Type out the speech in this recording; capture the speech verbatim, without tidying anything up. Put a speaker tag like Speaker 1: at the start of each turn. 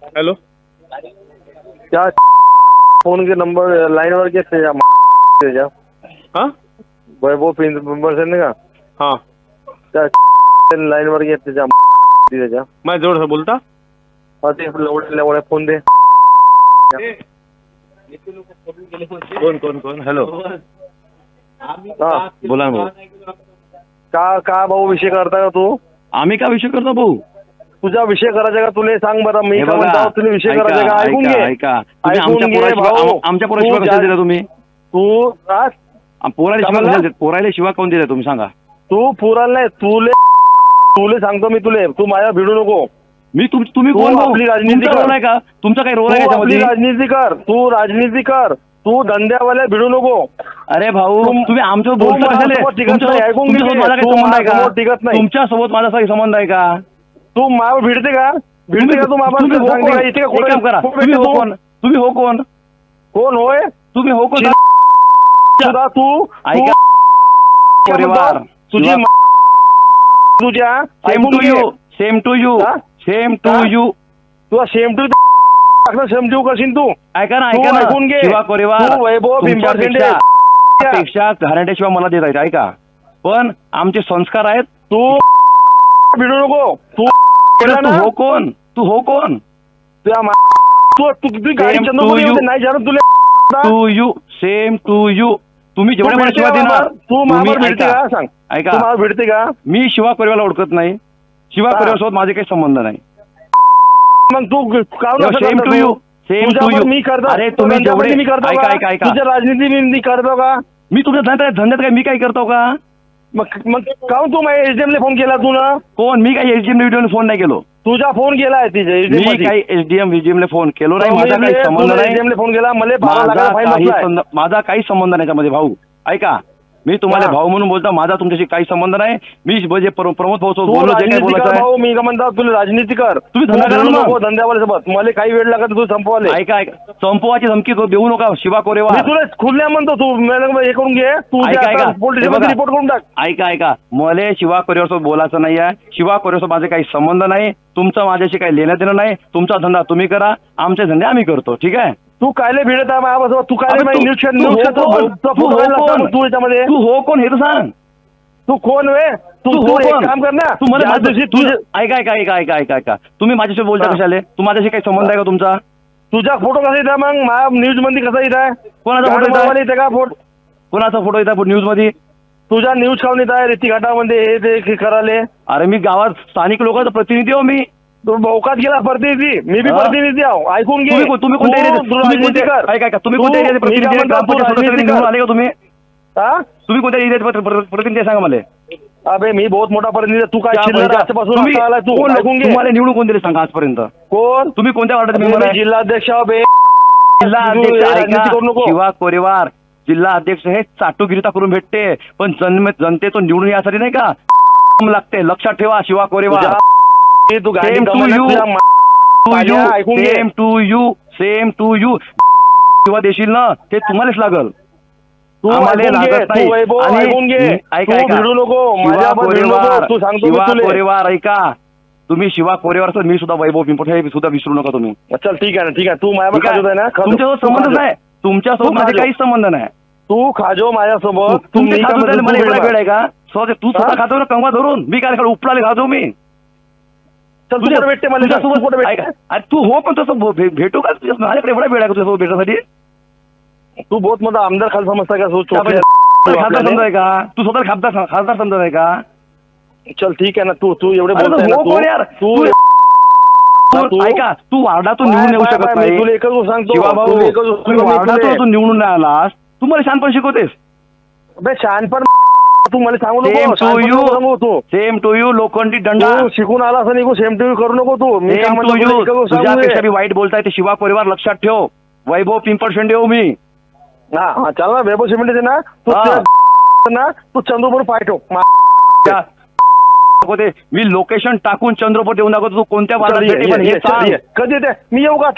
Speaker 1: Hello
Speaker 2: क्या phone के number line वर के थे जा
Speaker 1: हाँ
Speaker 2: वैभव पिंपर से का
Speaker 1: हाँ
Speaker 2: त्या लाइन वर के जा जा
Speaker 1: मैं जोर से बोलता
Speaker 2: हा ते लवड्या फोन दे
Speaker 1: कोण कोण कोण हॅलो
Speaker 2: हा
Speaker 1: बोला भाऊ
Speaker 2: का का भाऊ विषय करता का तू
Speaker 1: आम्ही का विषय करतो भाऊ
Speaker 2: तुझा विषय करायचा का तुला सांग बरं मी
Speaker 1: हे
Speaker 2: का
Speaker 1: बघा,
Speaker 2: म्हणतो तुला विषय
Speaker 1: ऐका,
Speaker 2: करायचा का ऐकून
Speaker 1: ऐका,
Speaker 2: घे
Speaker 1: ऐका. तुम्ही
Speaker 2: ऐकून
Speaker 1: आमच्या
Speaker 2: घे
Speaker 1: पोराशिवाय-
Speaker 2: भाऊ.
Speaker 1: आम- आमच्या पोराशिवाय
Speaker 2: तू
Speaker 1: कशाला
Speaker 2: ज्या-
Speaker 1: दिला तुम्ही
Speaker 2: तू आज
Speaker 1: आ, पोराला
Speaker 2: का
Speaker 1: शिवाय
Speaker 2: म्हणला?
Speaker 1: कशाला देत? पोराला शिवाय कोण दिला तुम्ही सांगा
Speaker 2: तू पुराल नाही तुले तुले सांगतो मी तुले तू माझ्या भिडू नको
Speaker 1: मी तुम तुम्ही
Speaker 2: तू
Speaker 1: कोण भाऊ?
Speaker 2: आपली राजनीती
Speaker 1: तुमचा
Speaker 2: कर.
Speaker 1: रोल आहे का तुमचा काही रोल आहे
Speaker 2: तू आपली
Speaker 1: त्याच्यामध्ये
Speaker 2: राजनीती कर तू राजनीती कर तू धंद्यावाल्या भिडू नको
Speaker 1: अरे भाऊ
Speaker 2: तुम-
Speaker 1: तुम्ही आमच्यावर
Speaker 2: तू
Speaker 1: बोलता
Speaker 2: माझ्यासोबत
Speaker 1: कशाले?
Speaker 2: टिकत नाही,
Speaker 1: तुमच्यासोबत
Speaker 2: ऐकून घे.
Speaker 1: तुमच्यासोबत माझा काही
Speaker 2: तू
Speaker 1: संबंध आहे
Speaker 2: माझ्यासोबत टिकत
Speaker 1: का
Speaker 2: नाही.
Speaker 1: तुमच्यासोबत माझा काही संबंध आहे का
Speaker 2: तू माव भिडते का भिडते का तू मामा
Speaker 1: तुम्ही हो
Speaker 2: सांगते
Speaker 1: कोण?
Speaker 2: का इथे का
Speaker 1: एक काम करा
Speaker 2: कोण
Speaker 1: तुम्ही
Speaker 2: भेटते
Speaker 1: हो
Speaker 2: तू?
Speaker 1: कोण तुम्ही हो कोण
Speaker 2: कोण होय
Speaker 1: तुम्ही हो कोण
Speaker 2: तुझा तू
Speaker 1: ऐका
Speaker 2: तू-
Speaker 1: परिवार
Speaker 2: तुझी मा- तुझ्या
Speaker 1: सेम
Speaker 2: ऐकून
Speaker 1: टू
Speaker 2: घे.
Speaker 1: यू सेम टू यू
Speaker 2: हा?
Speaker 1: सेम टू
Speaker 2: हा?
Speaker 1: यू
Speaker 2: तुला सेम टू सेम टू करशील तू
Speaker 1: ऐका ना
Speaker 2: तू
Speaker 1: ऐका ना
Speaker 2: ऐकून घे.
Speaker 1: शिवा परिवार
Speaker 2: तू वैभव पिंपळशेंडे.
Speaker 1: तुमच्यापेक्षा पेक्षा घराण्याशिवाय मला देत आहेत ऐका पण आमचे संस्कार आहेत
Speaker 2: तू भिडू नको तू केला
Speaker 1: तू
Speaker 2: ना
Speaker 1: हो कोण तू हो कोण
Speaker 2: तुझ्या मा- तू तू तुझी गाडी
Speaker 1: Same to
Speaker 2: चंद्रपूर
Speaker 1: you.
Speaker 2: येऊन नाही जाणत तुला
Speaker 1: to you same to you तुम्ही जेवढे मला
Speaker 2: भिडते
Speaker 1: शिवा
Speaker 2: का
Speaker 1: देणार
Speaker 2: मामावर? तू
Speaker 1: तुम्ही
Speaker 2: मामावर भिडते
Speaker 1: ऐका
Speaker 2: का सांग
Speaker 1: ऐका
Speaker 2: तू मामावर भिडते का
Speaker 1: मी शिवा परिवारला ओळखत नाही शिवा
Speaker 2: हा.
Speaker 1: परिवारासोबत माझे काही संबंध नाही
Speaker 2: मग तू काहून असं
Speaker 1: सेम
Speaker 2: करतो
Speaker 1: टू
Speaker 2: तू?
Speaker 1: यू सेम टू
Speaker 2: तुझ्यावर
Speaker 1: यू
Speaker 2: मी करतो
Speaker 1: अरे तुम्ही
Speaker 2: धंद्यामध्ये
Speaker 1: जेवढे
Speaker 2: मी करतो
Speaker 1: ऐका
Speaker 2: का?
Speaker 1: ऐका ऐका
Speaker 2: तुझ्या राजनीती मी मी करतो का
Speaker 1: मी तुमच्या धंद्यात धंद्यात काय मी काय करतो का
Speaker 2: मग मग काहून तू माझ्या एचडीएम ला फोन केला तू ना
Speaker 1: कोण मी काही एसडीएम व्हिडिओ फोन नाही केलो
Speaker 2: तुझा फोन केला आहे तिथे
Speaker 1: मी काही एसडीएम व्हीजीएम ला फोन केलो नाही माझा काही संबंध नाही
Speaker 2: एचडीएम ला फोन केला मला बारा
Speaker 1: माझा
Speaker 2: लाखाचा फाईन
Speaker 1: काही
Speaker 2: बसलाय.
Speaker 1: संद- माझा काही संबंध नाही त्यामध्ये भाऊ ऐका मी तुम्हाला
Speaker 2: हा.
Speaker 1: भाऊ म्हणून बोलतो माझा तुमच्याशी काही संबंध नाही मी म्हणजे प्र- प्रमोद भाऊ सोबत
Speaker 2: तू
Speaker 1: बोललो जे काही
Speaker 2: राजनीती
Speaker 1: बोलायचं
Speaker 2: कर
Speaker 1: आहे
Speaker 2: भाऊ मी का म्हणतो तुला राजनीती कर
Speaker 1: तुम्ही धंदा
Speaker 2: तू
Speaker 1: करा
Speaker 2: भिडू
Speaker 1: ना.
Speaker 2: नको धंद्यावाल्यासोबत मला काही वेळ लागत तू संपवाले
Speaker 1: ऐका ऐका संपवाची धमकी तो देऊ नका शिवा
Speaker 2: मी
Speaker 1: कोरेवार
Speaker 2: तुला खुल्या म्हणतो तू मला हे करून घे तू
Speaker 1: ऐका, ऐका.
Speaker 2: पोलीस
Speaker 1: हे बघा.
Speaker 2: रिपोर्ट करून टाक
Speaker 1: ऐका ऐका मला शिवा कोरेवारसोबत बोलायचं नाही आहे शिवा कोरेवारसोबत माझे काही संबंध नाही तुमचा माझ्याशी काही लेणं देणं नाही तुमचा धंदा तुम्ही करा आमचे धंदे आम्ही करतो ठीक आहे
Speaker 2: तू कायले भिडत आहे माझ्यासोबत तू
Speaker 1: अबे
Speaker 2: कायले
Speaker 1: तू-
Speaker 2: न्यूज
Speaker 1: तू हो कोण? तू हो कोण?
Speaker 2: तू याच्यामध्ये
Speaker 1: तू हो कोण हे तर सांग
Speaker 2: तू कोण वे तू
Speaker 1: तू
Speaker 2: तू
Speaker 1: हो
Speaker 2: एक
Speaker 1: कोण?
Speaker 2: काम कर ना
Speaker 1: तू मला
Speaker 2: ज्या
Speaker 1: माझ्या-
Speaker 2: दिवशी
Speaker 1: तू-
Speaker 2: तुझे
Speaker 1: ऐका ऐका ऐका ऐका ऐका ऐका तुम्ही माझ्याशी बोलता
Speaker 2: हा.
Speaker 1: कशाले तू माझ्याशी काही संबंध आहे का तुमचा
Speaker 2: तुझा फोटो कसा येत मग माझ्या न्यूज मध्ये कसा येत आहे
Speaker 1: कोणाचा फोटो येत आहे?
Speaker 2: येते का फोटो
Speaker 1: कोणाचा फोटो येतात न्यूज मध्ये
Speaker 2: तुझा न्यूज खाऊन येत आहे रेती घाटामध्ये हे ते हे करायले
Speaker 1: अरे मी गावात स्थानिक लोकांचा प्रतिनिधी हो मी
Speaker 2: तू भौकात गेला प्रतिनिधी मी बी
Speaker 1: हा?
Speaker 2: प्रतिनिधी आहो ऐकून घे
Speaker 1: तुम्ही को- तुम्ही कोणत्या
Speaker 2: तू-
Speaker 1: एरियाचे
Speaker 2: तू
Speaker 1: तुम्ही
Speaker 2: राजनीती
Speaker 1: कोणत्या
Speaker 2: कर.
Speaker 1: ऐका ऐका तुम्ही
Speaker 2: तू-
Speaker 1: कोणत्या एरियाचे
Speaker 2: मी
Speaker 1: प्रतिनिधी
Speaker 2: काय
Speaker 1: आहे?
Speaker 2: म्हणतो, तू
Speaker 1: ग्रामपंचायत
Speaker 2: राजनीती
Speaker 1: सदस्य निवडून
Speaker 2: कर.
Speaker 1: आले का तुम्ही
Speaker 2: हा?
Speaker 1: तुम्ही कोणत्या एरियाचे प्र- प्र- प्रतिनिधी आहे सांगा मला
Speaker 2: अबे मी बहुत मोठा प्रतिनिधी आहे. तू काय
Speaker 1: त्या
Speaker 2: चिल्लर
Speaker 1: पैसा-
Speaker 2: आजपासून
Speaker 1: तुम्ही
Speaker 2: आता आलाय तू
Speaker 1: कोण-
Speaker 2: ऐकून घे
Speaker 1: तुम्हाला निवडून कोण दिले सांगा आजपर्यंत
Speaker 2: कोण
Speaker 1: तुम्ही कोणत्या वार्डाचे
Speaker 2: मी
Speaker 1: मेंबर आहे
Speaker 2: जिल्हाध्यक्ष आहो बे
Speaker 1: जिल्हा
Speaker 2: तू
Speaker 1: अध्यक्ष
Speaker 2: हे
Speaker 1: ऐका
Speaker 2: राजनीती करू नको
Speaker 1: शिवा कोरेवार जिल्हा अध्यक्ष हे चाटुगिरीता करून भेटते पण जन्म जनतेतून निवडून यासाठी नाही का लागते लक्षात ठेवा शिवा कोरेवार
Speaker 2: तुझ्या- तू गाडी
Speaker 1: Same to
Speaker 2: कमावण्यात
Speaker 1: you.
Speaker 2: तुझ्या मा-
Speaker 1: टू यू
Speaker 2: माझ्या ऐकून घे.
Speaker 1: Same to you same to you किंवा देशील ना ते तुम्हालाच लागल
Speaker 2: तू
Speaker 1: आम्हाला
Speaker 2: ऐकून घे,
Speaker 1: लागत
Speaker 2: तू
Speaker 1: नाही
Speaker 2: वैभव
Speaker 1: आणि
Speaker 2: ऐकून घे
Speaker 1: ऐका
Speaker 2: तू
Speaker 1: ऐका
Speaker 2: भिडू नको
Speaker 1: शिवा
Speaker 2: माझ्यावर भिडू नको
Speaker 1: कोरेवार
Speaker 2: तू सांगतो मी
Speaker 1: शिवा
Speaker 2: तुले
Speaker 1: कोरेवार ऐका तुम्ही शिवा कोरेवार असाल, मी सुद्धा वैभव पिंपट हे सुद्धा विसरू नका तुम्ही
Speaker 2: चल ठीक आहे ना ठीक आहे तू
Speaker 1: ठीक
Speaker 2: माझ्यावर
Speaker 1: आहे?
Speaker 2: खाजवत आहे ना खाजव.
Speaker 1: तुमच्यासोबत
Speaker 2: तू
Speaker 1: संबंध
Speaker 2: खाजव.
Speaker 1: नाही तुमच्यासोबत
Speaker 2: तू
Speaker 1: माझे
Speaker 2: खाजव.
Speaker 1: काहीच संबंध नाही
Speaker 2: तू खाजो माझ्यासोबत तू
Speaker 1: तुमचे
Speaker 2: मी का
Speaker 1: खाजू
Speaker 2: म्हणतो,
Speaker 1: द्यायला मला
Speaker 2: तू
Speaker 1: एवढा
Speaker 2: भिडू
Speaker 1: वेळ आहे का स्वतः तू स्वतः
Speaker 2: हा?
Speaker 1: खातो ना कंगवा धरून मी काय खाऊ उपलाले खातो मी
Speaker 2: चल तू कुठे भेटते मला सांग, तू कुठे
Speaker 1: तुझ्यासोबत
Speaker 2: भेटते
Speaker 1: ऐका, अरे तू हो पण तसं भे- भे- भेटू का तुझ्या माझ्याकडे एवढा वेळ आहे का तुझ्यासोबत भेटण्यासाठी
Speaker 2: तू बहुत मोठा आमदार खाल समजता का तू
Speaker 1: त्या
Speaker 2: चोपड्या-
Speaker 1: बाई- खासदार समजा आहे का तू स्वतः खासदार खासदार समजत आहे का
Speaker 2: चल ठीक आहे ना तू तू एवढे
Speaker 1: अरे
Speaker 2: बोलतोय ना
Speaker 1: हो
Speaker 2: तू
Speaker 1: कोण यार?
Speaker 2: तू
Speaker 1: तू-
Speaker 2: तू-
Speaker 1: तू ऐका तू वार्डातून निवडून येऊ
Speaker 2: बाय-
Speaker 1: शकत
Speaker 2: बाय- मी
Speaker 1: नाही
Speaker 2: तुला एकच गोष्ट सांगतो
Speaker 1: शिवा भाऊ
Speaker 2: तुला एकच गोष्ट
Speaker 1: तुम्ही
Speaker 2: सांगतो, मी
Speaker 1: वार्डातून
Speaker 2: तुला-
Speaker 1: तू निवडून नाही आलास तू मला शहाणपण शिकवतेस
Speaker 2: अबे शहाणपण तू मला सांगू
Speaker 1: सेम
Speaker 2: नको
Speaker 1: टू
Speaker 2: शहाणपण
Speaker 1: यू
Speaker 2: नको सांगू तू
Speaker 1: सेम टू यू लोखंडी दंडा
Speaker 2: तू शिकून आला असं निघू सेम टीव्ही करू नको तू मी काय
Speaker 1: सेम
Speaker 2: म्हणतो
Speaker 1: टू
Speaker 2: तुला
Speaker 1: यू
Speaker 2: एकच गोष्ट सांगू
Speaker 1: तुझ्यापेक्षा
Speaker 2: दे.
Speaker 1: मी वाईट बोलताय ते शिवा परिवार लक्षात ठेव वैभव पिंपळ शेंडे हो मी
Speaker 2: हा हा चल ना वैभव सिमेंट ना तू
Speaker 1: हा.
Speaker 2: त्या- ना तू चंद्रपूर पाठव मा-
Speaker 1: त्या- होते मी लोकेशन टाकून चंद्रपूर देऊन दाखवतो तू कोणत्या
Speaker 2: चल,
Speaker 1: वार्डात
Speaker 2: ये,
Speaker 1: भेटेल पण
Speaker 2: ये,
Speaker 1: हे
Speaker 2: ये, चल,
Speaker 1: सांग
Speaker 2: ये. कधी येते मी येऊ का